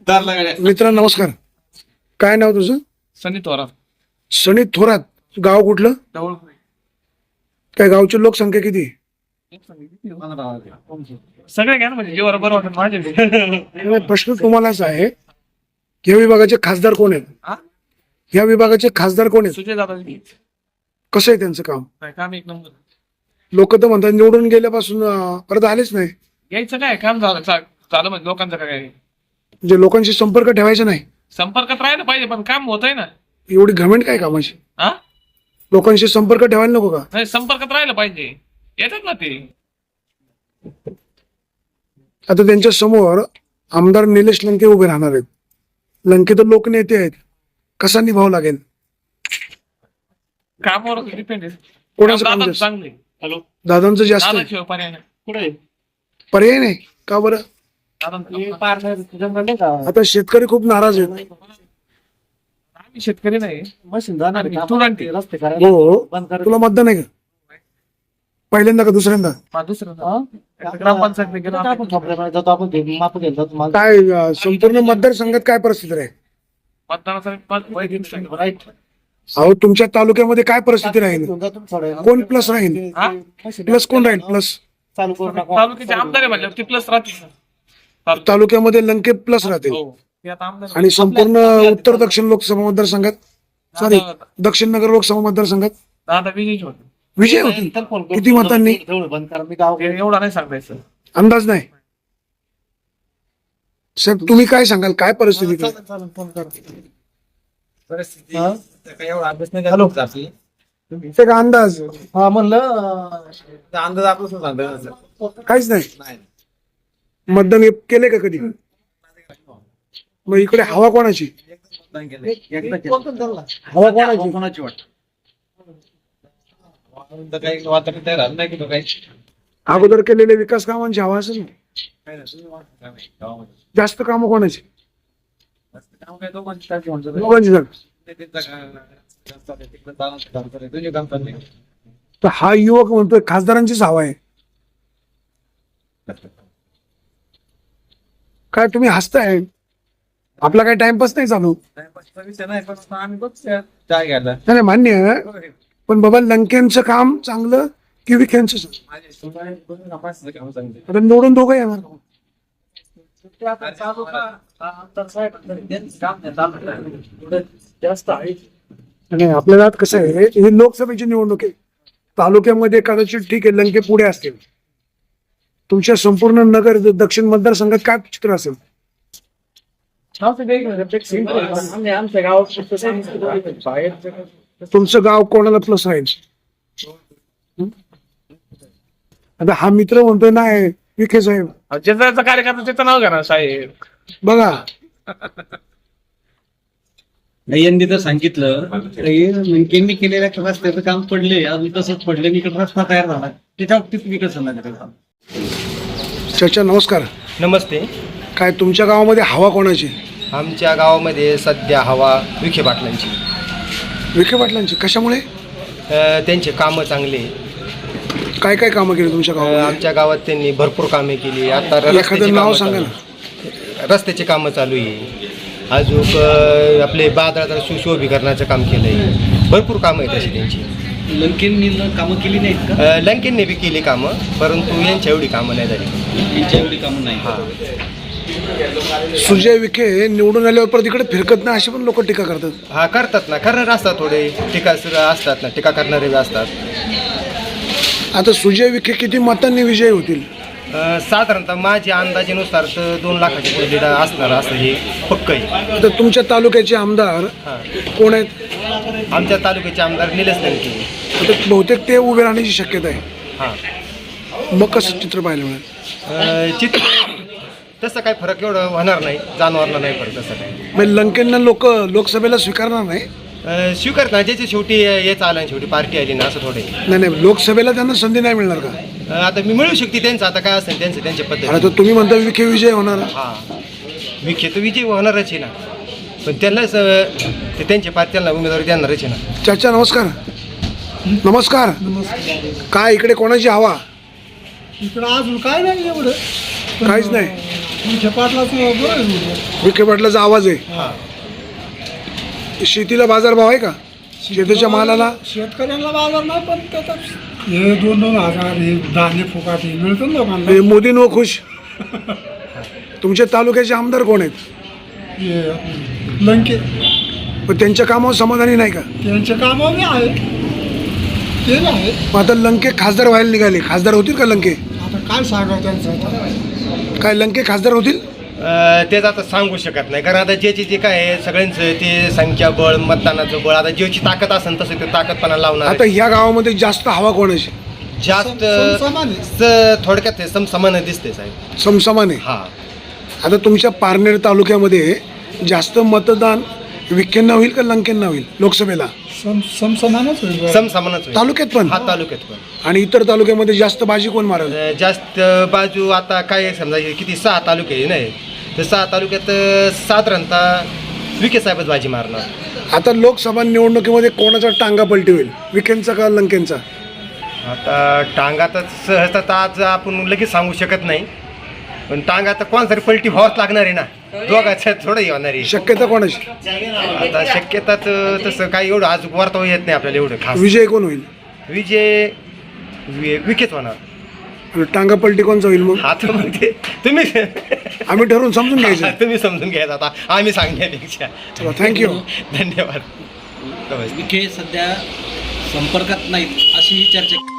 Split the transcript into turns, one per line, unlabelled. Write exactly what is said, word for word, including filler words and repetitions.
मित्र नमस्कार. काय नाव तुझं?
सनी थोरात.
सनी थोरात. गाव कुठलं?
जवळ
काय गावची लोकसंख्या किती?
सगळे घ्या ना, म्हणजे जेव्हा बरं वाटत माझे.
प्रश्न तुम्हालाच आहे. या विभागाचे खासदार कोण आहेत? या विभागाचे खासदार कोण आहेत?
सुजय दादा
कसं आहे त्यांचं काम?
काम एक नंबर.
लोक तर म्हणतात निवडून गेल्यापासून अं, परत आलेच नाही.
यायचं काय काम झालं चा- झालं म्हणजे लोकांचं काय
म्हणजे लोकांशी संपर्क ठेवायचा नाही.
संपर्कात राहायला पाहिजे, पण काम होत आहे ना.
एवढी घमेंट काय कामाची?
हा
लोकांशी संपर्क ठेवायला नको का?
नाही, संपर्कात राहायला पाहिजे. येतात ना ते.
आता त्यांच्या समोर आमदार निलेश लंके उभे राहणार आहेत. लंके तर लोकनेते आहेत. कसा निभाव लागेल?
कामावर डिपेंड आहे.
कोणाचं काम
दादा
जास्त?
चांगले. हॅलो,
दादांचं जास्त
दादा
आहे.
शिवाय पर्याय नाही. कुठे
पर्याय नाही का बरं? आता शेतकरी खूप नाराज आहेत.
आम्ही शेतकरी नाही, आम्ही स्टुडंट आहे.
रस्ते
हो, तुला मतदान आहे का? पहिल्यांदा का दुसऱ्यांदा?
दुसरं ग्रामपंचायत गेलो
आपण ठोकऱ्यामध्ये जातो, आपण घे- माप घ्यायला जातो. मला
काय अं, संपूर्ण मतदारसंघात काय परिस्थिती आहे?
मतदानाचा पाच वय घेऊन सांगितलं.
राईट.
अहो, तुमच्या तालुक्यामध्ये काय परिस्थिती राहील?
घेऊन जातो थोड्या वेळाने.
कोण प्लस राहील?
हा?
प्लस कोण राहील? प्लस
चालू करू नका.
तालुक्याचे आमदार आहे म्हणल्यावर ते प्लस राहतील.
तालुक्यामध्ये लंके प्लस राहतील.
हो, ते आता आमदार आहे.
आणि संपूर्ण उत्तर दक्षिण लोकसभा मतदारसंघात सॉरी दक्षिण नगर लोकसभा मतदारसंघात
दादा विजयी होते.
विजय होतील.
तर फोन करू.
किती मतांनी?
तेवढं बंद करा. मी गाव
ते एवढा नाही सांगायचं.
अंदाज नाही. साहेब तुम्ही काय सांगाल? काय परिस्थिती आहे?
चालेल, चालेल, फोन करा.
परिस्थिती
हा?
तर एवढा अभ्यास नाही झाला होता आपली.
ते का अंदाज?
हा म्हणलं अं,
तर अंदाज आपलं सांगतो
काहीच नाही.
नाही.
मतदान केले का कधी? मग इकडे हवा कोणाची?
नाही केलं. एकदा केलं.
बोलतो ना त्यांना.
हवा कोणाची?
कोणाची वाट वातावरण तर काही वातावरण तयार झालं नाही की तो काही
अगोदर केलेले विकास कामांची हवा असेल ना.
काही नाही. तुम्ही वाटतं काय नाही गावामध्ये.
जास्त कामं कोणाची?
जास्त काम काय दोघांची टाकी म्हणतो ते.
दोघांची झाली.
ते त्यांचं काय- काम चाललंय, तिकडं दानाचं काम चाललंय, तुझे काम चाललंय.
तर हा युवक म्हणतोय खासदारांचीच हवा आहे. काय तुम्ही हसताय? आपला काही टाइमपास नाही चालू.
टाइमपासचा विषय नाही, पण आता आम्ही बघतोय चहा घ्यायला.
नाही नाही, मान्य आहे. पण बाबा लंकेंचं काम चांगलं की विखेंचं चांगलं?
माझे सुनाई दोन्ही नापासचं काम चांगले.
आता निवडून दोघं येणार.
ते आता चालू का? हा, आता साहेब, त्यांचं काम नाही चालू आहे. थोडं जास्त आहे.
आणि आपल्याला आता कसं आहे, ही लोकसभेची निवडणूक आहे. तालुक्यामध्ये कदाचित ठीक आहे लंके पुढे असतील. तुमच्या संपूर्ण नगर दक्षिण मतदारसंघात काय चित्र असेल?
आम्ही आमच्या गावात फक्त सांगितलं, बाहेरचं
तुमचं गाव कोणाला प्लस राहील? आता हा मित्र म्हणतोय नाही विखे साहेब.
ज्याचा ज्याचा कार्यकर्ता त्याचं नाव घ्या ना साहेब.
बघा
यांनी तर सांगितलं लंकेंनी केलेल्या रस्त्याचं काम पडले, अजून तसंच पडले, इकडे रस्ता तयार झाला, त्याच्या बाबतीत विकास झाला.
चाचा नमस्कार.
नमस्ते.
काय तुमच्या गावामध्ये हवा कोणाची?
आमच्या गावामध्ये सध्या हवा विखे पाटलांची.
विखे पाटलांची. कशामुळे?
अ, त्यांचे कामं चांगले.
काय काय कामं केली तुमच्या
अ,
गावामध्ये?
आमच्या गावात त्यांनी भरपूर कामे केली. आता
एखादं
रस्त्याची
नाव
कामं
सांगा
चालू आहे. रस्त्याची कामं चालू आहे. अजून अ, आपले बाजारात सुशोभीकरणाचं काम केलं आहे. भरपूर कामं आहेत अशी त्यांची.
लंकेंनी कामं केली नाहीत का?
अ, लंकेंनी बी केली कामं, परंतु यांच्या एवढी कामं नाही झाली.
यांच्या एवढी कामं नाही.
हां
सुजय विखे निवडून आल्यावर परत इकडे फिरकत नाही अशी पण लोक टीका करतात.
हा करतात ना, करणार असतात थोडे टीका असतात ना, टीका करणारे बी असतात.
आता सुजय विखे किती मतांनी विजयी होतील?
अ, साधारणतः माझ्या अंदाजेनुसार तर दोन लाखाच्या पुढे लीड असणार असं हे पक्क आहे.
तर तुमच्या तालुक्याचे आमदार
हां,
कोण आहेत?
आमच्या तालुक्याचे आमदार निलेश लंके.
आता बहुतेक ते उभे राहण्याची शक्यता आहे.
हां,
मग कसं चित्र पाहायला मिळेल?
अ, चित्र तसं काही फरक एवढं होणार नाही, जाणवणार नाही फरक तसं काही.
म्हणजे लंकेंना लोक लोकसभेला स्वीकारणार नाही.
अ, स्वीकार ना, ज्याची शेवटी हेच आलं आणि शेवटी पार्टी आली ना, असं थोडे.
नाही नाही, लोकसभेला त्यांना संधी नाही मिळणार का?
आता मी मिळू शकते त्यांचं, आता काय असेल त्यांचं त्यांच्या
अरे
पद्धती.
तर तुम्ही म्हणता विखे विजय होणार.
हां, विखे तर विजय होणारच आहे ना, पण त्यांनाच अ, ते त्यांच्या पार्टी त्यांना उमेदवारी देणारच आहे ना.
चाचा नमस्कार. नमस्कार. काय इकडे कोणाची हवा?
इकडं अजून काय नाही एवढं.
काहीच नाही.
विखे पाटलाचं बरं आहे.
विखे पाटलाचा आवाज आहे. शेतीला बाजारभाव आहे का? शेतीच्या मालाला
शेतकऱ्यांना बाजार नाही, पण त्याचा हे दोन दोन हजार हे धान्य फुकाट हे मिळतं ना लोकांना.
हे मोदी नो खुश. तुमच्या तालुक्याचे आमदार कोण आहेत?
हे लंके
पण त्यांच्या कामावर समाधानी नाही का?
त्यांचे कामं बी आहे, केलं आहे.
मग आता लंके खासदार व्हायला निघाले, खासदार होतील का लंके?
आता काय सांगावं त्यांचं आता?
काय लंके खासदार होतील?
अं, तेच आता सांगू शकत नाही, कारण आता ज्याची जे काय आहे सगळ्यांचं ते संख्याबळ, मतदानाचं बळ, आता ज्याची ताकद असेल तसं ते ताकदपणा लावणार
आता
आहे.
ह्या गावामध्ये जास्त हवा कोणाची?
जास्त
समसमान आहे.
स- थोडक्यात हे समसमान दिसते साहेब.
समसमान आहे.
हा
आता तुमच्या पारनेर तालुक्यामध्ये जास्त मतदान विखेंना होईल का लंकेंना होईल लोकसभेला?
सम समसमानच होईल.
समसमानच होईल.
तालुक्यात पण
हा तालुक्यात पण
आणि इतर तालुक्यामध्ये जास्त बाजी कोण मारेल?
अं, जास्त बाजू आता काय आहे, समजा हे किती सहा तालुके आहे नाही, तर सहा तालुक्यात अं, साधारणतः विखे साहेबच बाजी मारणार.
आता लोकसभा निवडणुकीमध्ये कोणाचा टांगा पलटी होईल, विखेंचा का लंकेंचा?
आता टांगा तर सहजता तर आज आपण लगेच सांगू शकत नाही, पण टांगा तर कोणासाठी पलटी व्हावंच लागणार आहे ना, दोघांचं थोडं हे होणार आहे.
शक्यता कोणाची?
आता शक्यता तर तसं काही एवढं आज वर्तव येत नाही आपल्याला एवढं खास.
विजय कोण होईल?
विजय वि- विखेच होणार.
आणि टांगा पलटी कोणचा होईल? मग
आता मग ते तुम्ही
आम्ही ठरवून समजून घ्यायचं.
तुम्ही समजून घ्यायचं आता, आम्ही सांगण्यापेक्षा.
चला, थँक्यू.
धन्यवाद. नमस्ते.
विखे सध्या संपर्कात नाहीत अशी चर्चा